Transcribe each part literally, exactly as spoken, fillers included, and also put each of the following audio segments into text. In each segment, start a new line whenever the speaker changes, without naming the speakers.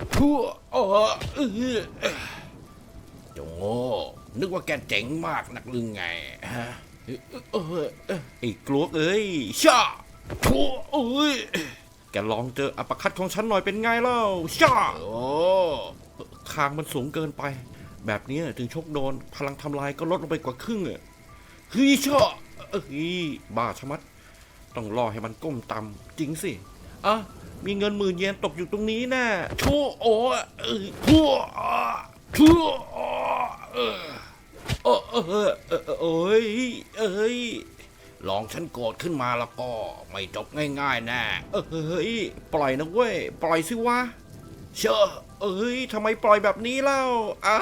ทั่วเออเออจงโง่นึกว่าแกเจ๋งมากนักหรือไงฮะเออไอ้กลวกเอ้ยชาทั่วเอ้ยแกลองเจออัปคัตของฉันหน่อยเป็นไงเล่าชาโอ้คางมันสูงเกินไปแบบนี้ถึงชกโดนพลังทำลายก็ลดลงไปกว่าครึ่งอ่ะเฮ้ยชาเฮ้ยบ้าชะมัดต้องรอให้มันก้มต่ำจริงสิอ่ะมีเงินหมื่นเยนตกอยู่ตรงนี้น่ะชั่วโอ้เออทั่วชั่วเออเออเออเออเอ้ยเอ้ยลองฉันโกรธขึ้นมาแล้วก็ไม่จบง่ายๆแน่เอ้ยปล่อยนะเว้ยปล่อยสิวะเชื่อเอ้ยทำไมปล่อยแบบนี้เล่าอ่า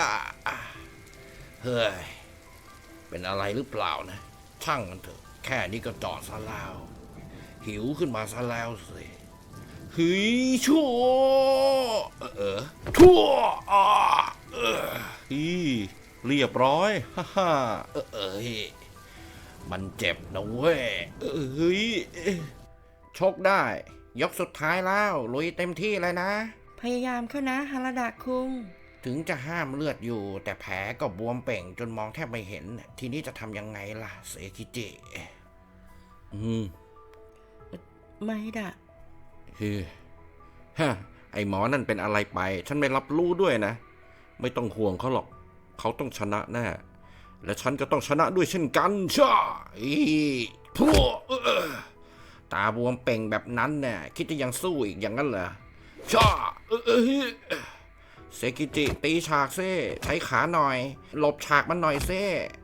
เฮ้ยเป็นอะไรหรือเปล่านะช่างมันเถอะแค่นี้ก็จอดซะแล้วหิวขึ้นมาซะแล้วสิเฮ้ยชั่วเออชั่วอ่าเออฮีเรียบร้อยฮ่าฮ่าเออเอ้ยมันเจ็บนะเว้ยเอ้ยชกได้ยกสุดท้ายแล้วลุยเต็มที่เลยนะ
พยายามเข้านะฮาราดะคุง
ถึงจะห้ามเลือดอยู่แต่แผลก็บวมเป่งจนมองแทบไม่เห็นทีนี้จะทำยังไงล่ะเซคิจิอืม
ไม่ดะ
เฮ้ยฮะไอหมอนั่นเป็นอะไรไปฉันไม่รับรู้ด้วยนะไม่ต้องห่วงเขาหรอกเขาต้องชนะแน่และฉันก็ต้องชนะด้วยเช่นกันช่าอีทั่วตาบวมเป่งแบบนั้นเนี่ยคิดจะยังสู้อีกอย่างนั้นเหรอช่าเซกิจิตีฉากเซ่ใช้ขาหน่อยหลบฉากมันหน่อยเซ่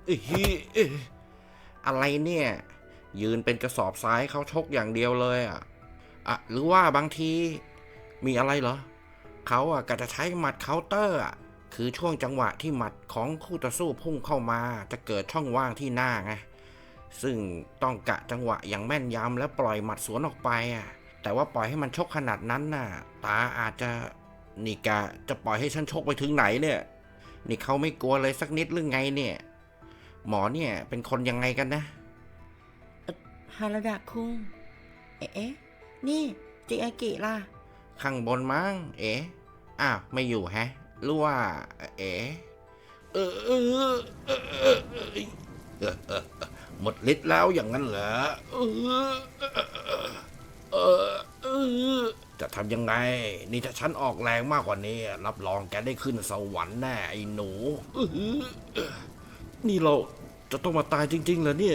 อะไรเนี่ยยืนเป็นกระสอบทรายเขาชกอย่างเดียวเลยอ่ะอะหรือว่าบางทีมีอะไรเหรอเขาอ่ะก็จะใช้หมัดเคาน์เตอร์อ่ะคือช่วงจังหวะที่หมัดของคู่ต่อสู้พุ่งเข้ามาจะเกิดช่องว่างที่หน้าไงซึ่งต้องกะจังหวะอย่างแม่นยำแล้วปล่อยหมัดสวนออกไปอ่ะแต่ว่าปล่อยให้มันชกขนาดนั้นน่ะตาอาจจะนี่กะจะปล่อยให้ฉันชกไปถึงไหนเนี่ยนี่เขาไม่กลัวเลยสักนิดหรือไงเนี่ยหมอเนี่ยเป็นคนยังไงกันนะ
ฮาราดะคุงเอ๊ะนี่จิอากิล่ะ
ข้างบนมั้งเอ๊ะอ้าวไม่อยู่แฮะหรือว่าเอ๊ะเออเออเออเออเออหมดฤทธิ์แล้วอย่างนั้นเหรอเออเออเออจะทำยังไงนี่ถ้าฉันออกแรงมากกว่านี้รับรองแกได้ขึ้นสวรรค์แน่ไอ้หนูนี่เราจะต้องมาตายจริงๆเหรอเนี่ย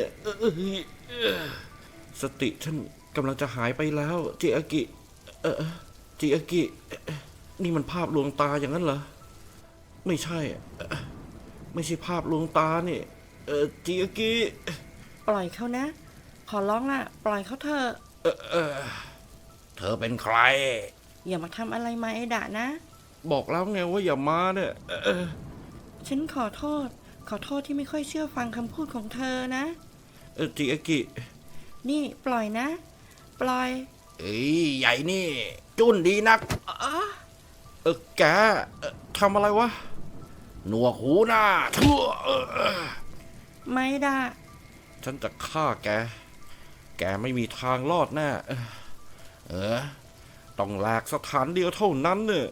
สติฉันกำลังจะหายไปแล้วจิอากิเออจิอากินี่มันภาพลวงตาอย่างนั้นเหรอไม่ใช่ไม่ใช่ภาพลวงตานี่เออจิอากิ
ปล่อยเขานะขอร้องล่ะปล่อยเขาเถอะ
เออเออเธอเป็นใคร
อย่ามาทำอะไรมาไอดะนะ
บอกแล้วไงว่าอย่ามาเนี่ยเออ
ฉันขอโทษขอโทษที่ไม่ค่อยเชื่อฟังคำพูดของเธอนะ
เออจิอากิ
นี่ปล่อยนะปล่อย
เอ้ยใหญ่นี่จุนดีนักเออแกทำอะไรวะหนวกหูหน้าทั่ว
ไม่ได้
ฉันจะฆ่าแกแกไม่มีทางรอดแน่เออต้องแหลกสถานเดียวเท่านั้นเนี่ย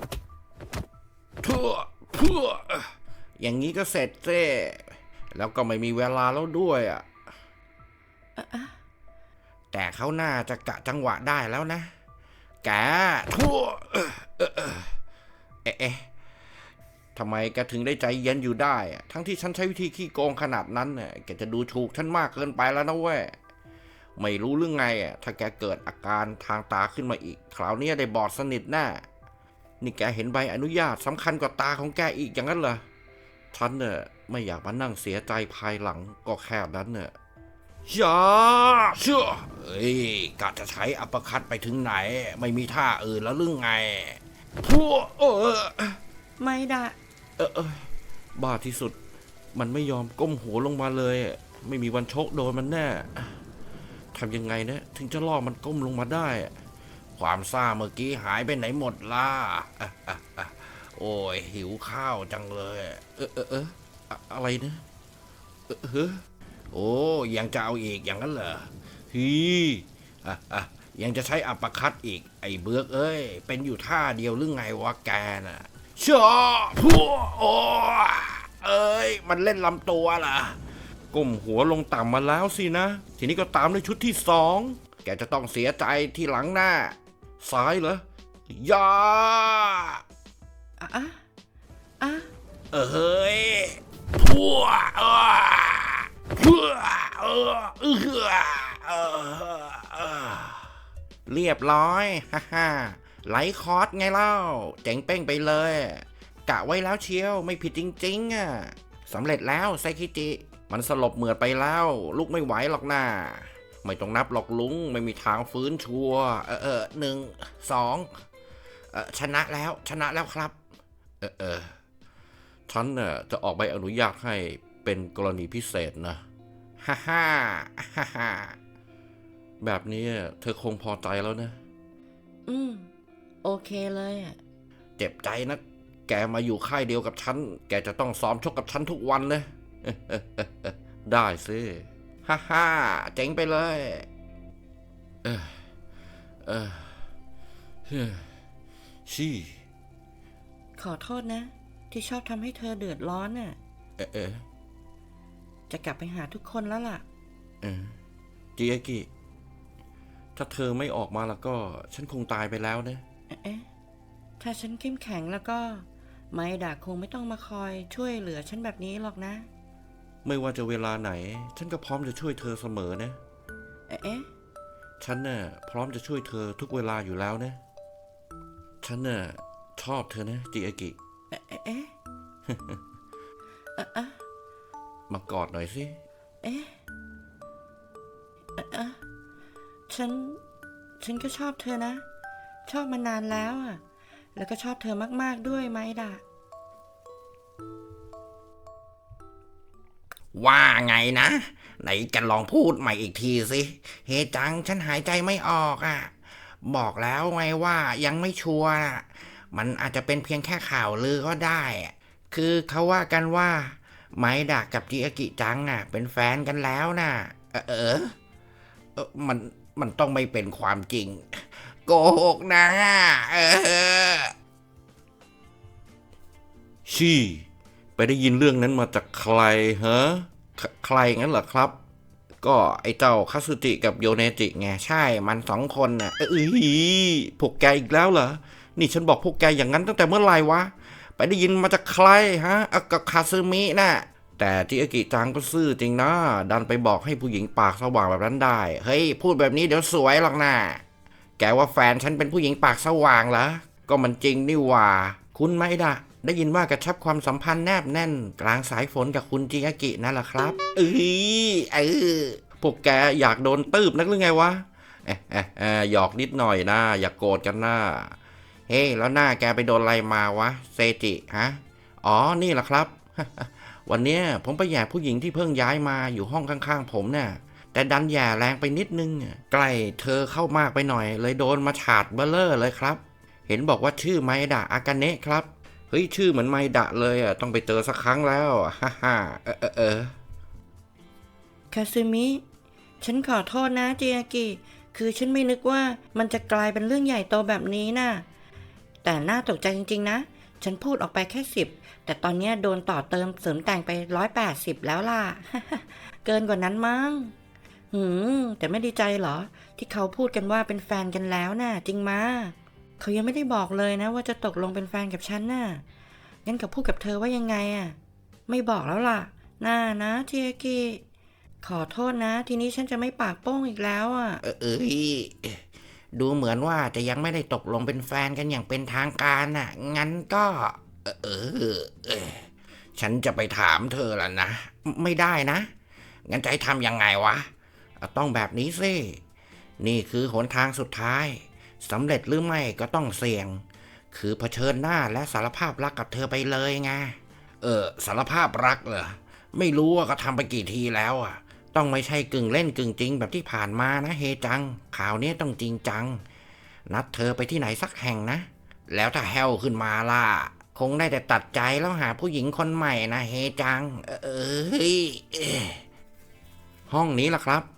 ทั่วทั่วอย่างนี้ก็เสร็จเจ้แล้วก็ไม่มีเวลาแล้วด้วยอ่ะแต่เขาน่าจะกะจังหวะได้แล้วนะแกทั่วเอ๊ะเอ๊ะทำไมแกถึงได้ใจเย็นอยู่ได้ทั้งที่ฉันใช้วิธีขี้โกงขนาดนั้นเนี่ยแกจะดูถูกฉันมากเกินไปแล้วนะเว้ยไม่รู้เรื่องไงอ่ะถ้าแกเกิดอาการทางตาขึ้นมาอีกคราวนี้ได้บอดสนิทแน่นี่แกเห็นใบอนุญาตสำคัญกว่าตาของแกอีกอย่างนั้นเหรอฉันเนี่ยไม่อยากมานั่งเสียใจภายหลังก็แค่นั้นเนี่ยอย่าเชื่อเฮ้ยกะจะใช้อัปคัตไปถึงไหนไม่มีท่าอื่นแล้วหรือไงทั่วเออ
ไม่ได้
เออเออบ้าที่สุดมันไม่ยอมก้มหัวลงมาเลยไม่มีวันชกโดนมันแน่ทำยังไงนะถึงจะล่อมันก้มลงมาได้ความซ่าเมื่อกี้หายไปไหนหมดล่ะโอ้ยหิวข้าวจังเลยเออเออเอออะไรนะเออเออโอ้ยังจะเอาอีกอย่างนั้นเหรอฮียังจะใช้อัปคัตอีกไอ้เบือกเอ้ยเป็นอยู่ท่าเดียวหรือไงวะแกน่ะเชื่อพัวโอ้เอ้ยมันเล่นลำตัวล่ะก้มหัวลงต่ำมาแล้วสินะทีนี้ก็ตามด้วยชุดที่สองแกจะต้องเสียใจที่หลังหน้าซ้ายเหรอยา
อ่ะอ่ะอ่ะ
เอ้ยพัวเออพัวเออเออเออเรียบร้อยฮ่าฮ่าไลท์คอร์สไงเล่าเจ๋งเป้งไปเลยกะไว้แล้วเชียวไม่ผิดจริงๆอ่ะสำเร็จแล้วไซคิจิมันสลบเหมือดไปแล้วลุกไม่ไหวหรอกนะไม่ต้องนับหรอกลุงไม่มีทางฟื้นชัวเออเออหนึ่งสองเออชนะแล้วชนะแล้วครับเออเออฉันน่ะจะออกใบอนุญาตให้เป็นกรณีพิเศษนะฮ่าฮ่าฮ่าฮ่าแบบนี้เธอคงพอใจแล้วนะ
อืมโอเคเลยอ่ะ
เจ็บใจนะแกมาอยู่ค่ายเดียวกับฉันแกจะต้องซ้อมชกกับฉันทุกวันเลย ได้สิฮ่าฮ่าเจ๋งไปเลยเออเออเฮ้ยชี่
ขอโทษนะ ที่ชอบทำให้เธอเดือดร้อนน่ะ
เออเออ
จะกลับไปหาทุกคนแล้วล่ะ
เออจิอากิถ้าเธอไม่ออกมาแล้วก็ฉันคงตายไปแล้วนะ
เอ๊ะถ้าฉันเข้มแข็งแล้วก็ไมดาคงไม่ต้องมาคอยช่วยเหลือฉันแบบนี้หรอกนะ
ไม่ว่าจะเวลาไหน ฉันก็พร้อมจะช่วยเธอเสมอนะ
เอ๊ะ
ฉันน่ะพร้อมจะช่วยเธอทุกเวลาอยู่แล้วนะฉันน่ะชอบเธอนะจิอากิ
เอ๊ะเอ๊ะเอ๊ะเอ๊ะเอ๊ะ
มากอดหน่อยสิ
เอ๊ะเอ๊ะเอ๊ะฉัน ฉันก็ชอบเธอนะ ชอบมานานแล้วอ่ะ แล้วก็ชอบเธอมากๆด้วยไมดา
ว่าไงนะ ไหนกันลองพูดใหม่อีกทีสิเฮจังฉันหายใจไม่ออกอ่ะบอกแล้วไงว่ายังไม่ชัวร์น่ะมันอาจจะเป็นเพียงแค่ข่าวลือก็ได้อะคือเขาว่ากันว่าไมดะกับจิอากิจังอ่ะเป็นแฟนกันแล้วน่ะเออเออเออมันมันต้องไม่เป็นความจริงโกหกนะเออชี่ไปได้ยินเรื่องนั้นมาจากใครฮะใคใครงั้นเหรอครับ ก็ไอ้เจ้าคาสึจิกับโยเนจิไงใช่มันสองคนน่ะเอ้ยพวกแกอีกแล้วเหรอนี่ฉันบอกพวกแกอย่างนั้นตั้งแต่เมื่อไหร่วะไปได้ยินมาจากใครฮะอ่ะกับคาซึมิน่ะแต่จิอากิจังก็ซื่อจริงนะดันไปบอกให้ผู้หญิงปากสว่างแบบนั้นได้เฮ้ยพูดแบบนี้เดี๋ยวสวยหรอกนะแกว่าแฟนฉันเป็นผู้หญิงปากสว่างเหรอก็มันจริงนี่หว่าคุณไหมล่ะได้ยินว่ากระชับความสัมพันธ์แนบแน่นกลางสายฝนกับคุณจิอากินั่นแหละครับเอ้ยเออพวกแกอยากโดนตืบนักหรือไงวะเอ๊ะเอ๊ะเอ๊ะหยอกนิดหน่อยนะอย่ากโกรธกันนะเฮ้แล้วหน้าแกไปโดนอะไรมาวะเซจิฮะอ๋อนี่แหละครับ วันเนี้ยผมไปแย่ผู้หญิงที่เพิ่งย้ายมาอยู่ห้องข้างๆผมเนี่ยแต่ดันแย่แรงไปนิดนึงใกล้เธอเข้ามากไปหน่อยเลยโดนมาฉาดเบลเลอร์เลยครับเห็นบอกว่าชื่อไมดะอากาเนะครับเฮ้ยชื่อเหมือนไมดะเลยอ่ะต้องไปเจอสักครั้งแล้วฮ่าฮ่าเออเออเออ
คาซึมิ ฉันขอโทษนะจิอากิ คือฉันไม่นึกว่ามันจะกลายเป็นเรื่องใหญ่โตแบบนี้นะ่ะแต่น่าตกใจจริงๆนะ ฉันพูดออกไปแค่สิบแต่ตอนนี้โดนต่อเติมเสริมแต่งไปร้อยแปดสิบแล้วล่ะ เกินกว่านั้นมั้งหืมแต่ไม่ดีใจเหรอ ที่เขาพูดกันว่าเป็นแฟนกันแล้วน่ะ จริงมาเขายังไม่ได้บอกเลยนะว่าจะตกลงเป็นแฟนกับฉันน่ะงั้นกับพูดกับเธอว่ายังไงอ่ะไม่บอกแล้วล่ะน่านะจิอากิขอโทษนะทีนี้ฉันจะไม่ปากโป้งอีกแล้วอ่ะ
เออเอยดูเหมือนว่าจะยังไม่ได้ตกลงเป็นแฟนกันอย่างเป็นทางการน่ะงั้นก็เออเออเออฉันจะไปถามเธอแล้วนะไม่ได้นะงั้นจะให้ทำยังไงวะต้องแบบนี้สินี่คือหนทางสุดท้ายสำเร็จหรือไม่ก็ต้องเสี่ยงคือเผชิญหน้าและสารภาพรักกับเธอไปเลยไงเออสารภาพรักเหรอไม่รู้ว่าก็ทำไปกี่ทีแล้วอ่ะต้องไม่ใช่กึ่งเล่นกึ่งจริงแบบที่ผ่านมานะเฮจังข่าวนี้ต้องจริงจังนัดเธอไปที่ไหนสักแห่งนะแล้วถ้าแฮวขึ้นมาล่ะคงได้แต่ตัดใจแล้วหาผู้หญิงคนใหม่นะเฮจังเอ้ยห้องนี้ล่ะครับ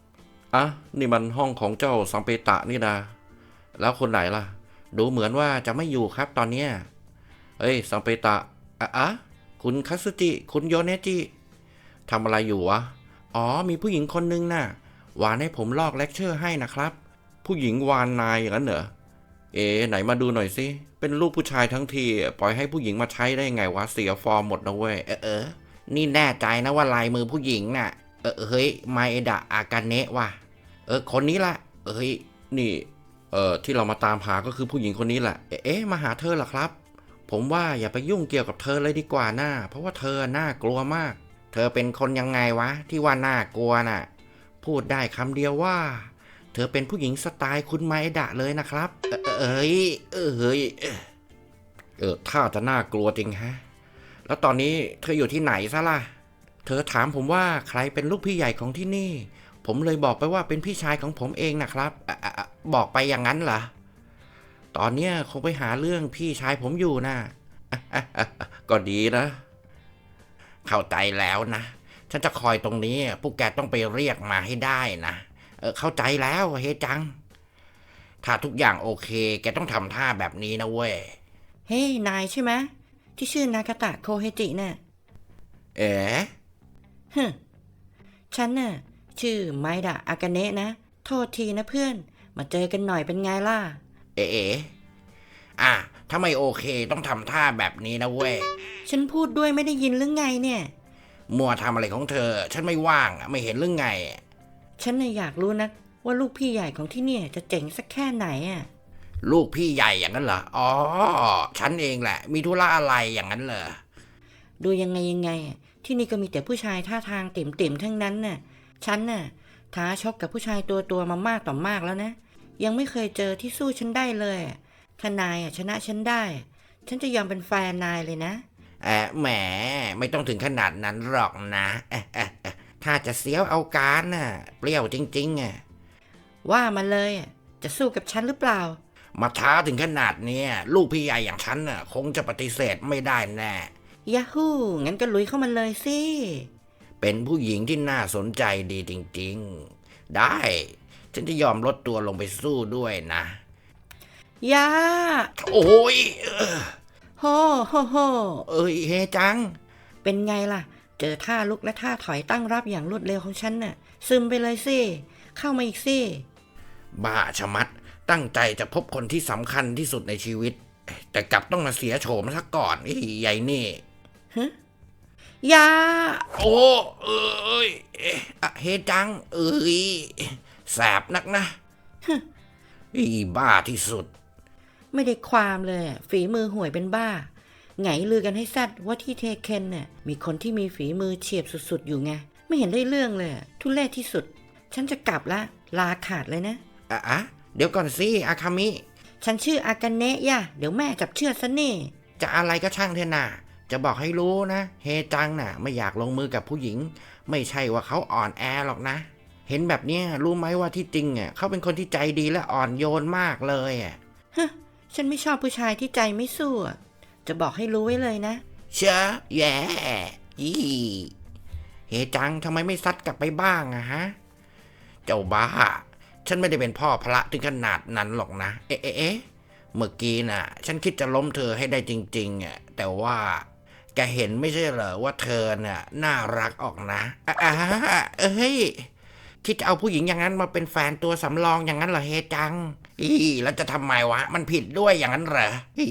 อ่ะนี่มันห้องของเจ้าซัมเปตะนี่นะแล้วคนไหนล่ะดูเหมือนว่าจะไม่อยู่ครับตอนเนี้ยเอ้ยซัมเปตะอ่ะอ่ะคุณคัตสึจิคุณโยเนจิทำอะไรอยู่วะอ๋อมีผู้หญิงคนนึงน่ะวานให้ผมลอกเลคเชอร์ให้นะครับผู้หญิงวานนายอย่างนั้นเหรอเอ๋ไหนมาดูหน่อยสิเป็นลูกผู้ชายทั้งทีปล่อยให้ผู้หญิงมาใช้ได้ไงวะเสียฟอร์มหมดนะเว้ยเออเออนี่แน่ใจนะว่าลายมือผู้หญิงน่ะเออเฮ้ยไมเอดะอากาเนะว่ะเออคนนี้ละเอ้ยนี่เออที่เรามาตามหาก็คือผู้หญิงคนนี้แหละเอ๊ะมาหาเธอเหรอครับผมว่าอย่าไปยุ่งเกี่ยวกับเธอเลยดีกว่าน่าเพราะว่าเธอน่ากลัวมากเธอเป็นคนยังไงวะที่ว่าน่ากลัวน่ะพูดได้คำเดียวว่าเธอเป็นผู้หญิงสไตล์คุณไมเอดะเลยนะครับ เออเอ้ยเออเฮ้ยเออถ้าจะน่ากลัวจริงฮะแล้วตอนนี้เธออยู่ที่ไหนซะล่ะเธอถามผมว่าใครเป็นลูกพี่ใหญ่ของที่นี่ผมเลยบอกไปว่าเป็นพี่ชายของผมเองนะครับอะอะอะบอกไปอย่างนั้นเหรอตอนเนี้ยคงไปหาเรื่องพี่ชายผมอยู่นะอะอะอะอะก็ดีนะเข้าใจแล้วนะฉันจะคอยตรงนี้พวกแกต้องไปเรียกมาให้ได้นะเออเข้าใจแล้วเฮจังถ้าทุกอย่างโอเคแกต้องทำท่าแบบนี้นะเว้ย
เฮ้ยนายใช่ไหมที่ชื่อนากาตะโคเฮจิน่ะ
เอ๋
ฮึฉันน่ะชื่อไมดะอากาเนะนะโทษทีนะเพื่อนมาเจอกันหน่อยเป็นไงล่ะ
เอ๋เอ๋อ่ะถ้าไม่โอเคต้องทำท่าแบบนี้นะเว้ย
ฉันพูดด้วยไม่ได้ยินหรือไงเนี่ย
มัวทำอะไรของเธอ ฉันไม่ว่างไม่เห็นเรื่องไง
ฉันน่ะอยากรู้นะว่าลูกพี่ใหญ่ของที่เนี่ยจะเจ๋งสักแค่ไหนอ่ะ
ลูกพี่ใหญ่อย่างนั้นเหรอ อ๋อ ฉันเองแหละ มีธุระอะไรอย่างนั้นเหรอ
ดูยังไงยังไงอะที่นี่ก็มีแต่ผู้ชายท่าทางเต็มๆทั้งนั้นน่ะฉันน่ะท้าชกกับผู้ชายตัวตัวๆมามากต่อมากแล้วนะยังไม่เคยเจอที่สู้ฉันได้เลยอะถ้านายอะชนะฉันได้ ฉันจะยอมเป็นแฟนนายเลยนะ
แอะแหม ไม่ต้องถึงขนาดนั้นหรอกนะเอะเอะเอะถ้าจะเสียวเอาการน่ะ เปรี้ยวจริงๆอ่ะ
ว่ามาเลยอะจะสู้กับฉันหรือเปล่า
มาท้าถึงขนาดเนี้ยลูกพี่ใหญ่อย่างฉันน่ะ คงจะปฏิเสธไม่ได้แน่
ยาฮูงั้นก็ลุยเข้ามาเลยสิ
เป็นผู้หญิงที่น่าสนใจดีจริงๆ ได้ ฉันจะยอมลดตัวลงไปสู้ด้วยนะ
ยา
โอ้ยเออ
โฮโฮโฮ
เอ้ยเฮจัง
เป็นไงล่ะ เจอท่าลุกและท่าถอยตั้งรับอย่างรวดเร็วของฉันน่ะ ซึมไปเลยสิ เข้ามาอีกสิ
บ้าชะมัด ตั้งใจจะพบคนที่สำคัญที่สุดในชีวิต แต่กลับต้องมาเสียโฉมซะก่อนไอ้ใหญ่นี่
ยา
โอ้เอ้ยเอ๊ะอะเฮจัง เอ้ยแสบนักนะอีบ้าที่สุด
ไม่ได้ความเลยอะฝีมือห่วยเป็นบ้า ไงลือกันให้แซดว่าที่เทเคนน่ะมีคนที่มีฝีมือเฉียบสุดๆอยู่ไง ไม่เห็นได้เรื่องเลยอะทุเรศที่สุด ฉันจะกลับละ ลาขาดเลยนะ
อ่ะอะเดี๋ยวก่อนสิอาคามิ
ฉันชื่ออากาเนะย่ะเดี๋ยวแม่จับเชือดซะนี่
จะอะไรก็ช่างเถอะนะจะบอกให้รู้นะ เฮจังน่ะ ไม่อยากลงมือกับผู้หญิง ไม่ใช่ว่าเขาอ่อนแอหรอกนะ เห็นแบบเนี้ยรู้ไหมว่าที่จริงอ่ะเขาเป็นคนที่ใจดีและอ่อนโยนมากเลยอ่ะ
ฮะ ฉันไม่ชอบผู้ชายที่ใจไม่สู้อะจะบอกให้รู้ไว้เลยนะ
เชอะแย่ยี่เฮจังทำไมไม่ซัดกลับไปบ้างอะฮะ เจ้าบ้า ฉันไม่ได้เป็นพ่อพระถึงขนาดนั้นหรอกนะ เอ๊ะเอ๊ะเอ๊ะเมื่อกี้น่ะ ฉันคิดจะล้มเธอให้ได้จริงๆอ่ะแต่ว่าแกเห็นไม่ใช่เหรอว่าเธอน่ะน่ารักออกนะอ่ะอ่ะเอ้ยคิดจะเอาผู้หญิงอย่างนั้นมาเป็นแฟนตัวสำรองอย่างนั้นเหรอเฮจัง อีแล้วจะทำไมวะ มันผิดด้วยอย่างนั้นเหรออี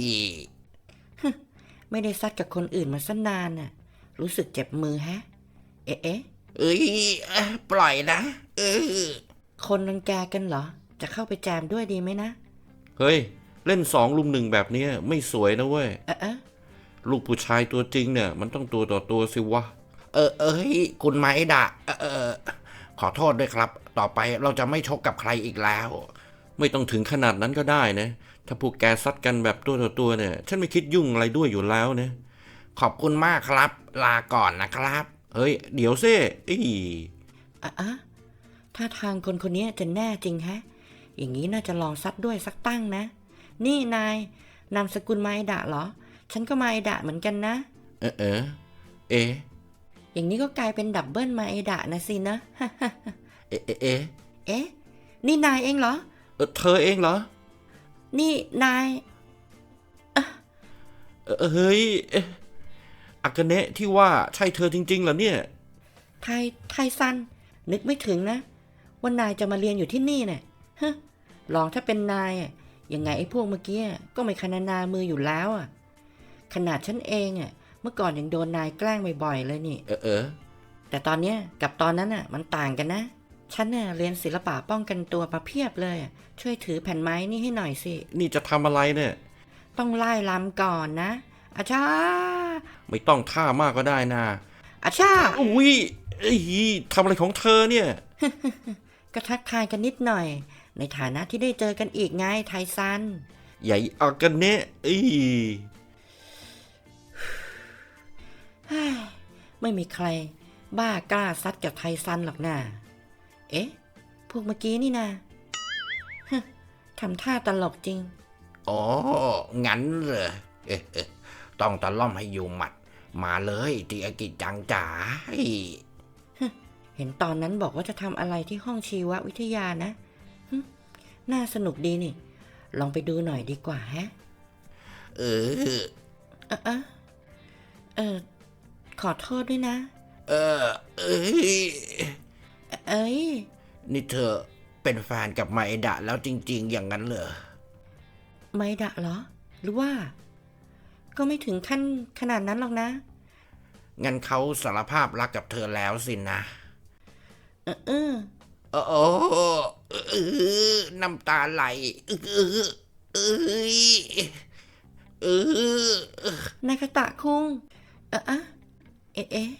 ไม่ได้ซัดกับคนอื่นมาสันนานน่ะ รู้สึกเจ็บมือแฮะ เอ๊ะเอ๊ะ
เอ้ยเอ้ยปล่อยนะเออ
คนรังแกกันเหรอ จะเข้าไปแจมด้วยดีไหมนะ
เฮ้ย เล่นสองลุมหนึ่งแบบนี้ไม่สวยนะเว้ย
เอ๊ะเอ๊ะ
ลูกผู้ชายตัวจริงเนี่ย มันต้องตัวต่อตัวสิวะ เออเอ้ยคุณไมดะเออเออขอโทษด้วยครับ ต่อไปเราจะไม่ชกกับใครอีกแล้ว ไม่ต้องถึงขนาดนั้นก็ได้นะ ถ้าพวกแกซัดกันแบบตัวต่อตัวเนี่ย ฉันไม่คิดยุ่งอะไรด้วยอยู่แล้วนะ ขอบคุณมากครับ ลาก่อนนะครับ เฮ้ย เดี๋ยวซิอี
อ่ะอ่ะถ้าทางคนคนนี้จะแน่จริงฮะ อย่างนี้น่าจะลองซัดด้วยสักตั้งนะ นี่นาย นามสกุลไมดะเหรอ ฉันก็ไมดะเหมือนกันนะ
เออเออเอ๊ะ
อย่างนี้ก็กลายเป็นดับเบิลไมดะนะสินะ
เอ๊ะเอ๊ะเอ๊ะ
เเอ๊ะนี่นายเองเหรอ
เออเธอเองเหรอ
นี่นาย
เออเฮ้ยอากาเนะที่ว่าใช่เธอจริงๆเหรอเนี่ย
ไทไทซันนึกไม่ถึงนะว่านายจะมาเรียนอยู่ที่นี่เนี่ยฮะลองถ้าเป็นนายอ่ะยังไงไอ้พวกเมื่อกี้ก็ไม่คณนามืออยู่แล้วอ่ะขนาดฉันเองอ่ะเมื่อก่อนยังโดนนายแกล้งบ่อยๆเลยนี่
เออเออ
แต่ตอนเนี้ยกับตอนนั้นอ่ะมันต่างกันนะฉันเนี่ยเรียนศิลปะป้องกันตัวมาเพียบเลยช่วยถือแผ่นไม้นี่ให้หน่อยสิ
นี่จะทำอะไรเนี่ย
ต้องไล่ลำก่อนนะอาชา
ไม่ต้องท่ามากก็ได้นะ
อาชา
อุ้ยไอ้ทำอะไรของเธอเนี่ย
ก็ทักทายกันนิดหน่อยในฐานะที่ได้เจอกันอีกไงไทซัน
ใหญ่อากาเนะอี
ไม่มีใครบ้ากล้าซัดกับไทซันหรอกนะเอ๊ะพวกเมื่อกี้นี่นะทำท่าตลกจริง
อ๋องั้นเหรอเอ๊ะต้องตะล่อมให้อยู่หมัดมาเลยตีอากิจังจ๋า
เห็นตอนนั้นบอกว่าจะทำอะไรที่ห้องชีววิทยานะน่าสนุกดีนี่ลองไปดูหน่อยดีกว่าฮะ
เออ
เออเออขอโทษด้วยนะ
เออเอ้ย
เอ้ย
นี่เธอเป็นแฟนกับไมดะแล้วจริงๆอย่างนั้นเหรอ
ไมดะเหรอหรือว่าก็ไม่ถึงขั้นขนาดนั้นหรอกนะ
งั้นเขาสารภาพรักกับเธอแล้วสินะ
เออเออ
โอ้เออน้ำตาไหลเออเออเอ
อนายคาตะคุงเอออะเอ๊ะ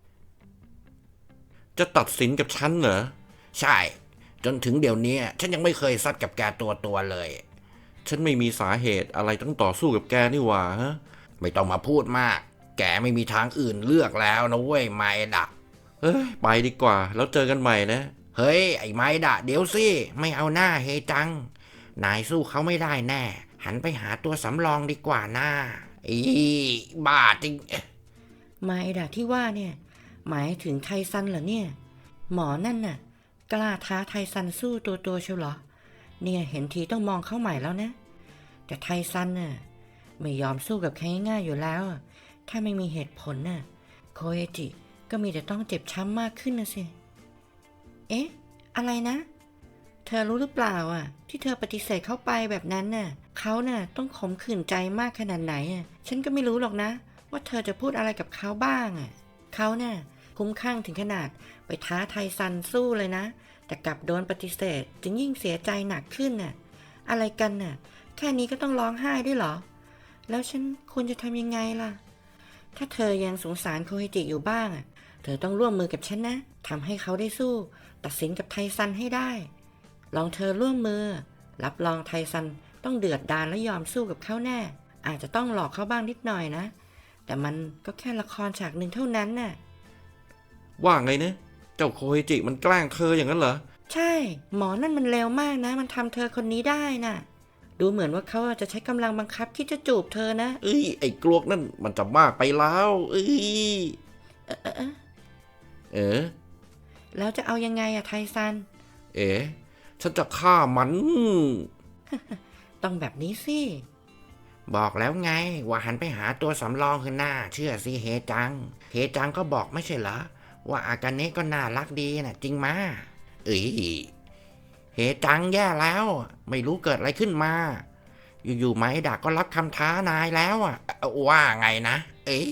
จะตัดสินกับฉันเหรอใช่จนถึงเดี๋ยวนี้ฉันยังไม่เคยซัดกับแกตัวตัวเลยฉันไม่มีสาเหตุอะไรต้องต่อสู้กับแกนี่หว่าฮะไม่ต้องมาพูดมากแกไม่มีทางอื่นเลือกแล้วนะเว้ยไมดะเฮ้ยไปดีกว่าแล้วเจอกันใหม่นะเฮ้ยไอ้ไมดะเดี๋ยวสิไม่เอาหน้าเฮจังนายสู้เขาไม่ได้แน่หันไปหาตัวสำรองดีกว่าหน้าอีบ้าจริง
ไมดะที่ว่าเนี่ยหมายถึงไทซันเหรอเนี่ยหมอนั่นน่ะกล้าท้าไทซันสู้ตัวตัวเชียวเหรอเนี่ยเห็นทีต้องมองเข้าใหม่แล้วนะแต่ไทซันน่ะไม่ยอมสู้กับใครง่ายอยู่แล้วถ้าไม่มีเหตุผลน่ะโคเอจิก็มีแต่ต้องเจ็บช้ำมากขึ้นนะสิเอ๊ะอะไรนะเธอรู้หรือเปล่าอ่ะที่เธอปฏิเสธเข้าไปแบบนั้นน่ะเขาน่ะต้องขมขื่นใจมากขนาดไหนอ่ะฉันก็ไม่รู้หรอกนะว่าเธอจะพูดอะไรกับเขาบ้างอ่ะเขาน่ะคุ้มข้างถึงขนาดไปท้าไทซันสู้เลยนะแต่กลับโดนปฏิเสธจึงยิ่งเสียใจหนักขึ้นน่ะอะไรกันน่ะแค่นี้ก็ต้องร้องไห้ด้วยเหรอแล้วฉันควรจะทำยังไงล่ะถ้าเธอยังสงสารโคเฮจิอยู่บ้างอ่ะเธอต้องร่วมมือกับฉันนะทำให้เขาได้สู้ตัดสินกับไทซันให้ได้ลองเธอร่วมมือรับรองไทซันต้องเดือดดาลและยอมสู้กับเขาแน่อาจจะต้องหลอกเขาบ้างนิดหน่อยนะแต่มันก็แค่ละครฉากหนึ่งเท่านั้นน่ะ
ว่าไงนะเจ้าโคเฮจิมันแกล้งเธออย่างนั้นเหรอ
ใช่หมอนั่นมันเลวมากนะมันทำเธอคนนี้ได้น่ะดูเหมือนว่าเขาจะใช้กำลังบังคับที่จะจูบเธอนะ
เอ้ยไอ้กลวกนั่นมันจะมากไปแล้วเอ้ย
เออเออ
เออ
แล้วจะเอายังไงอะไทซัน
เอ๋ฉันจะฆ่ามัน
ต้องแบบนี้สิ
บอกแล้วไงว่าหันไปหาตัวสำรองคือหน้าเชื่อสิเฮจังเฮจังก็บอกไม่ใช่เหรอว่าอากาเนะก็น่ารักดีนะจริงมาเอ้ยเฮจังแย่แล้วไม่รู้เกิดอะไรขึ้นมาอยู่ๆไมดะก็รับคำท้านายแล้วอ่ะว่าไงนะเอ้ย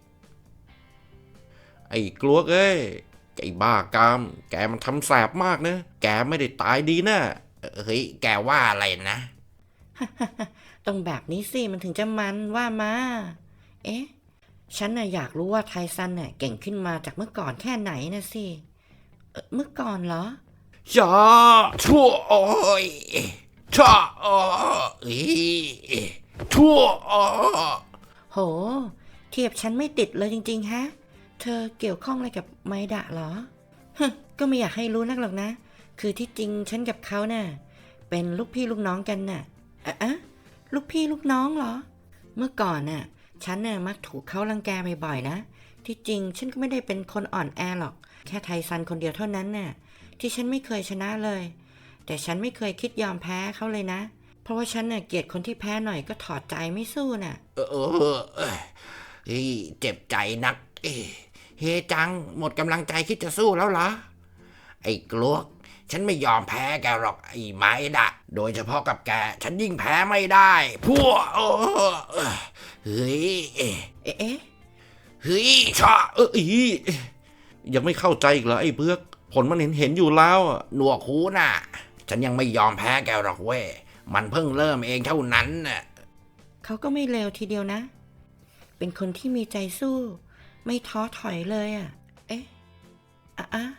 ไอ้กลวกเอ้ยไอ้บ้ากามแกมันทำแสบมากนะแกไม่ได้ตายดีนะเฮ้ยแกว่าอะไรนะ
ต้องแบบนี้สิมันถึงจะมันว่ามาเอ๊ะฉันน่ะอยากรู้ว่าไทซันน่ะเก่งขึ้นมาจากเมื่อก่อนแค่ไหนนะสิเอ่อเมื่อก่อนเหรอ
จ้าชั่วโอ้ยจ้าโอ้ยชั่วโอ้
โหเทียบฉันไม่ติดเลยจริงๆฮะเธอเกี่ยวข้องอะไรกับไมดะเหรอก็ไม่อยากให้รู้นักหรอกนะคือที่จริงฉันกับเขาน่ะเป็นลูกพี่ลูกน้องกันน่ะอะลูกพี่ลูกน้องเหรอเมื่อก่อนน่ะฉันน่ะมักถูกเขารังแกบ่อยๆนะที่จริงฉันก็ไม่ได้เป็นคนอ่อนแอหรอกแค่ไทซันคนเดียวเท่านั้นน่ะที่ฉันไม่เคยชนะเลย แต่ฉันไม่เคยคิดยอมแพ้เขาเลยนะ เพราะว่าฉันน่ะเกลียดคนที่แพ้หน่อยก็ถอดใจไม่สู้น่ะ
เออเออเออเฮ้ยเจ็บใจนักเอ้เฮจังหมดกำลังใจคิดจะสู้แล้วเหรอไอ้กลวกฉันไม่ยอมแพ้แกหรอกไอ้ไม้ดะโดยเฉพาะกับแกฉันยิ่งแพ้ไม่ได้พวกเออเฮ้ย
เอ๊ะเอ๊ะ
เฮ้ยชอเอออียังไม่เข้าใจอีกเหรอไอ้เบือกผลมันเห็นเห็นอยู่แล้วอะหนวกหูน่ะฉันยังไม่ยอมแพ้แกหรอกเว้ยมันเพิ่งเริ่มเองเท่านั้นน่ะ
เขาก็ไม่เลวทีเดียวนะ เป็นคนที่มีใจสู้ ไม่ท้อถอยเลยอ่ะ เอ๊ะอ่ะอ่ะ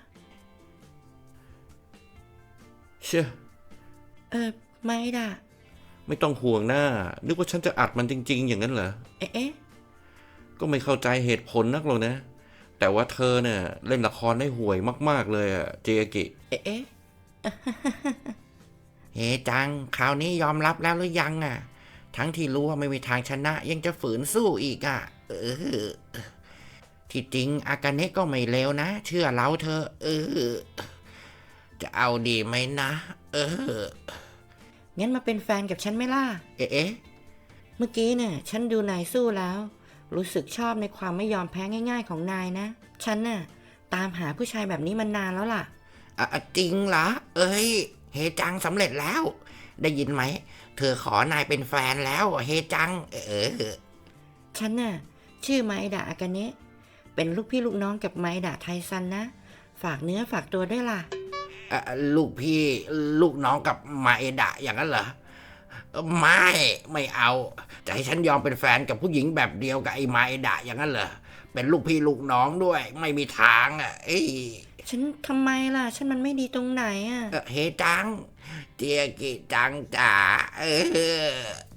เชื่อ
เออไม่ด่ะ
ไม่ต้องห่วงหน้านึกว่าฉันจะอัดมันจริงๆอย่างนั้นเหรอ
เอ๊ะเอ๊ะ
ก็ไม่เข้าใจเหตุผลนักหรอกนะแต่ว่าเธอเนี่ยเล่นละครได้ห่วยมากๆเลยอะเจอากิ
เอ๊ะเอ๊ะ
เฮจังคราวนี้ยอมรับแล้วหรือยังอ่ะทั้งที่รู้ว่าไม่มีทางชนะยังจะฝืนสู้อีกอ่ะเออที่จริงอากาเนะก็ไม่เลวนะเชื่อเราเธอะเออจะเอาดีไหมนะเออ
งั้นมาเป็นแฟนกับฉันไหมล่ะ
เอ๊ะ
เมื่อกี้เนี่ยฉันดูนายสู้แล้ว รู้สึกชอบในความไม่ยอมแพ้ง่ายๆของนายนะ ฉันน่ะตามหาผู้ชายแบบนี้มานานแล้วล่ะ
อ่ะจริงเหรอเอ้ยเฮจังสำเร็จแล้ว ได้ยินไหมเธอขอนายเป็นแฟนแล้วเฮจังเออ
ฉันน่ะชื่อไมดะอากาเนะเป็นลูกพี่ลูกน้องกับไมดะไทซันนะ ฝากเนื้อฝากตัวด้วยล่ะ
อ่ะลูกพี่ลูกน้องกับมาเอดะอย่างนั้นเหรอไม่ไม่เอาจะให้ฉันยอมเป็นแฟนกับผู้หญิงแบบเดียวกับไอ้มาเอดะอย่างนั้นเหรอเป็นลูกพี่ลูกน้องด้วยไม่มีทางอ่ะเอ้ย
ฉันทำไมล่ะ ฉันมันไม่ดีตรงไหนอ่ะ
เอ่อเฮจังเจียกิจังจ๋าเออ